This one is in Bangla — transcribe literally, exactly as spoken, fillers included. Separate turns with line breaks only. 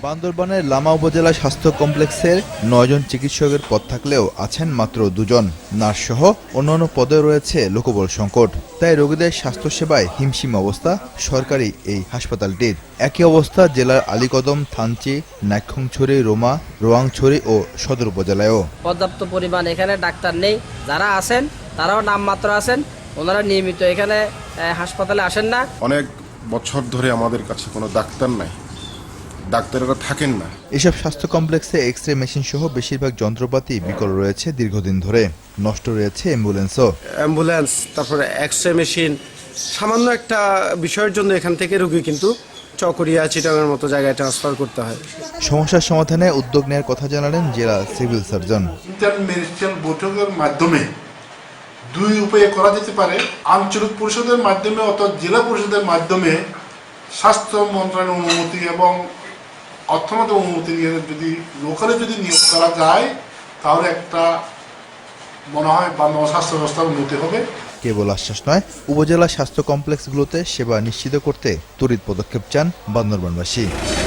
বান্দরবানের লামা উপজেলা স্বাস্থ্য কমপ্লেক্সের নয়জন চিকিৎসকের পদ থাকলেও আছেন মাত্র দুজন। নার্সসহ অন্যান্য পদে রয়েছে লোকবল সংকট। তাই রোগীদের স্বাস্থ্যসেবায় হিমশিম অবস্থা সরকারি এই হাসপাতালটির। একই অবস্থা জেলার আলীকদম, থানচি, নাইক্ষ্যংছড়ি, রোমা, রোয়াংছড়ি ও সদর উপজেলায়ও।
পর্যাপ্ত পরিমাণ এখানে ডাক্তার নেই। যারা আছেন তারাও নামমাত্র আছেন, ওনারা নিয়মিত এখানে হাসপাতালে আসেন না।
অনেক বছর ধরে আমাদের কাছে কোনো ডাক্তার নাই, ডাক্তারেরা থাকেন না।
এসব স্বাস্থ্য কমপ্লেক্সে এক্স রে মেশিন সহ বেশিরভাগ যন্ত্রপাতি বিকল রয়েছে দীর্ঘদিন ধরে। নষ্ট রয়েছে অ্যাম্বুলেন্সও।
অ্যাম্বুলেন্স, তারপরে এক্স রে মেশিন, সামান্য একটা বিষয়ের জন্য এখান থেকে রোগী কিন্তু চকরিয়া, চিটাগাংয়ের মতো জায়গায় ট্রান্সফার করতে হয়।
সমস্যার সমাধানে উদ্যোগ নেওয়ার কথা জানালেন জেলা সিভিল সার্জন।
ইন্টার মিনিস্ট্রিয়াল বৈঠকের মাধ্যমে দুই উপায়ে করা যেতে পারে। আঞ্চলিক পরিষদের মাধ্যমে অথবা জেলা পরিষদের মাধ্যমে স্বাস্থ্য মন্ত্রণালয়ের অনুমতি এবং অর্থনৈতিক অনুমতি নিয়ে যদি লোকালে যদি নিয়োগ করা যায়, তাহলে একটা মনে হয় বাংলা স্বাস্থ্য ব্যবস্থার উন্নতি হবে।
কেবল আশ্বাস নয়, উপজেলা স্বাস্থ্য কমপ্লেক্সগুলোতে সেবা নিশ্চিত করতে তড়িৎ পদক্ষেপ চান বান্দরবানবাসী।